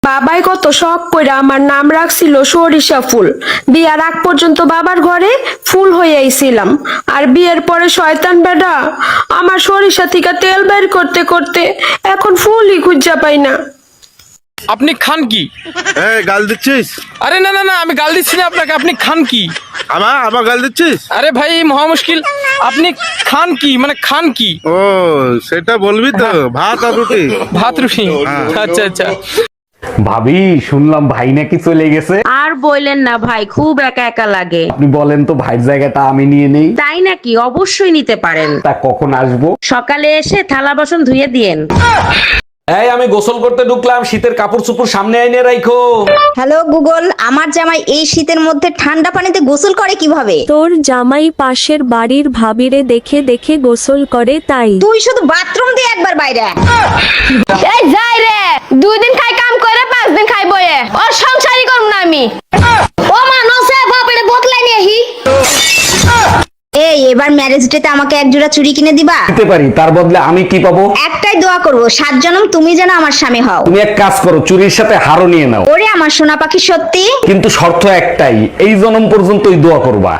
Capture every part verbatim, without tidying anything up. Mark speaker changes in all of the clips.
Speaker 1: বাবাই কত শখ কইরা আমার নাম রাখছিল সরিষা ফুল। বিয়ার আগ পর্যন্ত বাবার ঘরে ফুল হইয়াইছিলাম, আর বিয়ের পরে শয়তান বেডা আমার সরিষা থেকে তেল বের করতে করতে এখন ফুলই খুঁজা পাই না।
Speaker 2: আপনি খান কি?
Speaker 3: এই গাল দিচ্ছিস?
Speaker 2: আরে না না না, আমি গাল দিচ্ছি না আপনাকে। আপনি খান কি?
Speaker 3: আমার আমার গাল দিচ্ছিস?
Speaker 2: আরে ভাই মহা মুশকিল। আপনি খান কি মানে খান কি?
Speaker 3: ও সেটা বলবি তো, ভাত আর রুটি।
Speaker 2: ভাত রুটি? আচ্ছা আচ্ছা।
Speaker 4: ভাবি শুনলাম ভাই নাকি চলে গেছে।
Speaker 5: আর বললেন না ভাই, খুব একা একা লাগে।
Speaker 4: আপনি বলেন তো ভাইয়ের জায়গাটা আমি নিয়ে নেই।
Speaker 5: তাই নাকি? অবশ্যই নিতে পারেন।
Speaker 4: তা কখন আসবো?
Speaker 5: সকালে এসে থালা বাসন ধুয়ে দিয়েন।
Speaker 4: এই আমি গোসল করতে ঢুকলাম, শীতের কাপড় চোপড় সামনে আইনে রাখো।
Speaker 6: হ্যালো গুগল, আমার জামাই এই শীতের মধ্যে ঠান্ডা পানিতে গোসল করে কিভাবে?
Speaker 7: তোর জামাই পাশের বাড়ির ভাবিরে দেখে দেখে গোসল করে তাই।
Speaker 6: তুই শুধু বাথরুম দিয়ে একবার বাইরে আয়।
Speaker 1: এই যাই রে, দুই দিন খাই কাম করে পাঁচ দিন খাই বয়ে, ওর সংসারই করব না আমি।
Speaker 6: ও মানসে বাপরে বদলাই নিয়ে হি। এই এবার ম্যারেজ ডেতে আমাকে এক জোড়া চুড়ি কিনে দিবা?
Speaker 4: দিতে পারি, তার বদলে আমি কি পাবো?
Speaker 6: একটাই দোয়া করব, সাত জনম তুমি যেন আমার স্বামী হও।
Speaker 4: তুমি এক কাজ করো, চুরির সাথে হারও নিয়ে নাও।
Speaker 6: ওরে আমার সোনা পাখি, সত্যি?
Speaker 4: কিন্তু শর্ত একটাই, এই জনম পর্যন্তই দোয়া করবা।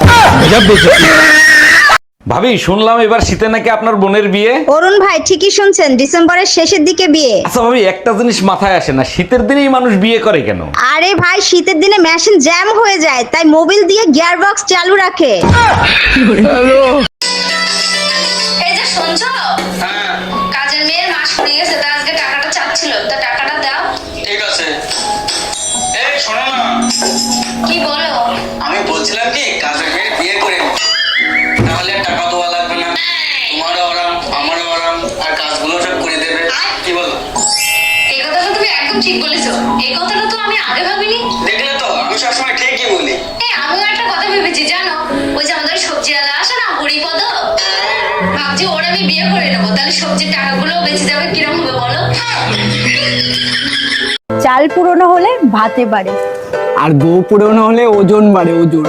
Speaker 4: ভাবি শুনলাম এবার শীতে নাকি আপনার বোনের বিয়ে।
Speaker 6: অরুণ ভাই ঠিকই শুনছেন, ডিসেম্বরের শেষের দিকে বিয়ে।
Speaker 4: আচ্ছা ভাবি, একটা জিনিস মাথায় আসে না, শীতের দিনেই মানুষ বিয়ে করে কেন?
Speaker 6: আরে ভাই, শীতের দিনে মেশিন জ্যাম হয়ে যায়, তাই মোবিল দিয়ে গিয়ার বক্স চালু রাখে।
Speaker 8: এই যে শুনছো, কাজের মেয়ের মাস পড়ে গেছে, তার আজকে টাকাটা চাচ্ছিল, তা টাকাটা দাও।
Speaker 9: ঠিক আছে। এই শোনো না,
Speaker 8: কি বলো?
Speaker 9: আমি বলছিলাম কি কাজের মেয়ে বিয়ে করে নিও। তাহলে আর টাকা দেওয়া লাগবে না, তোমারও আরাম আমারও আরাম, আর কাজগুলো সব করে দেবে। কি বলো?
Speaker 8: এই কথাটা তুমি একদম ঠিক বলেছো। এই কথাটা তো আমি আগে ভাবিনি।
Speaker 9: দেখলে তো, আমি সবসময় ঠিকই বলি।
Speaker 8: এই আমিও একটা কথা ভেবেছি জানো, ওই যে আমাদের সবজিওয়ালা আসে না, হরিপদ, ভাবছি ওর আমি বিয়ে করে নেবো, তাহলে সবজির টাকাগুলো বেঁচে যাবে। কিরকম হবে বলো?
Speaker 6: চাল পুরনো হলে ভাতে বাড়ে,
Speaker 10: আর গো পুরনো হলে ওজন বাড়ে, ওজন।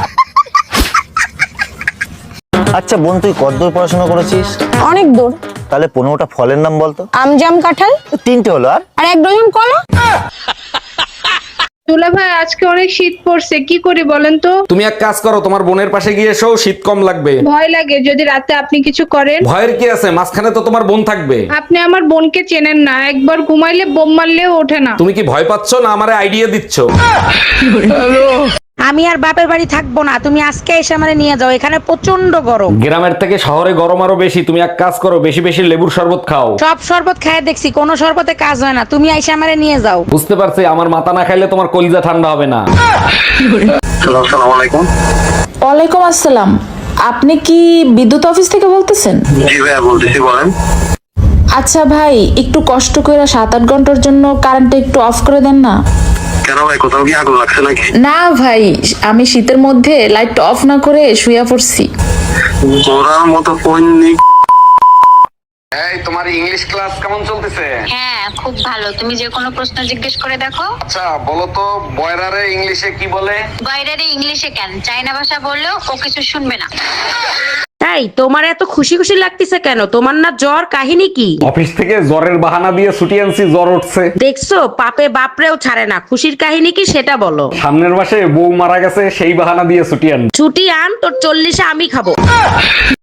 Speaker 11: আচ্ছা বোন, তুই কতদূর পড়াশোনা করেছিস?
Speaker 6: অনেক দূর।
Speaker 11: তাহলে পনেরোটা ফলের নাম বলতো।
Speaker 6: আম, জাম, কাঁঠাল।
Speaker 11: তিনটে হলো, আর
Speaker 6: আর এক ডজন কলা।
Speaker 1: দুলা ভাই আজকে অনেক শীত পড়ছে, কি করি বলেন তো?
Speaker 4: তুমি এক কাজ করো, তোমার বোনের পাশে গিয়ে এসো, শীত কম লাগবে।
Speaker 1: ভয় লাগে যদি রাতে আপনি কিছু করেন।
Speaker 4: ভয়ের কি আছে, মাঝখানে তো তোমার বোন থাকবে।
Speaker 1: আপনি আমার বোনকে চেনেন না, একবার ঘুমাইলে বোম মারলেও ওঠে না।
Speaker 4: তুমি কি ভয় পাচ্ছ না আমারে আইডিয়া দিচ্ছ?
Speaker 5: আমি আর বাপের বাড়ি থাকবো না, তুমি আজকে এসে আমারে নিয়ে যাও, এখানে প্রচন্ড গরম।
Speaker 4: গ্রামের থেকে শহরে গরম আরো বেশি। তুমি এক কাজ করো, বেশি বেশি লেবুর শরবত খাও।
Speaker 5: সব শরবত খায় দেখছি, কোনো শরবতে কাজ হয় না, তুমি এসে আমারে নিয়ে যাও।
Speaker 4: বুঝতে পারছি, আমার মাথা না খাইলে তোমার কলিজা ঠান্ডা হবে না।
Speaker 3: আসসালামু আলাইকুম।
Speaker 12: ওয়ালাইকুম আসসালাম। আপনি কি বিদ্যুৎ অফিস থেকে বলতেছেন?
Speaker 3: জি ভাইয়া বলতেছি, বলেন।
Speaker 12: আচ্ছা ভাই, একটু কষ্ট করে সাত আট ঘন্টার জন্য কারেন্টটা একটু অফ করে দেন না।
Speaker 3: কেন ভাই, কোথাও কি আগুন লাগছে নাকি?
Speaker 12: না ভাই, আমি শীতের মধ্যে লাইট অফ না করে শুয়ে পড়ছি।
Speaker 3: ওরার মতো কোন
Speaker 9: এই তোমার ইংলিশ ক্লাস কেমন চলতেছে?
Speaker 8: হ্যাঁ খুব ভালো, তুমি যে কোনো প্রশ্ন জিজ্ঞেস করে দেখো।
Speaker 9: আচ্ছা বলো তো, বয়রারে ইংলিশে কি বলে?
Speaker 8: বাইরে ইংলিশে কেন, চাইনা ভাষা বললেও ও কিছু শুনবে না।
Speaker 5: তাই তোমার এত খুশি খুশি লাগতেছে কেন? তোমার না জ্বর? কাহিনী কি?
Speaker 4: অফিস থেকে জ্বরের বাহানা দিয়ে ছুটি আনছি, জ্বর উঠছে।
Speaker 5: দেখছো, পাপে বাপরেও ছাড়ে না। খুশির কাহিনী কি সেটা বলো।
Speaker 4: সামনের মাসে বউ মারা গেছে, সেই বাহানা দিয়ে ছুটি আন।
Speaker 5: ছুটি আন, তোর চল্লিশে আমি খাবো।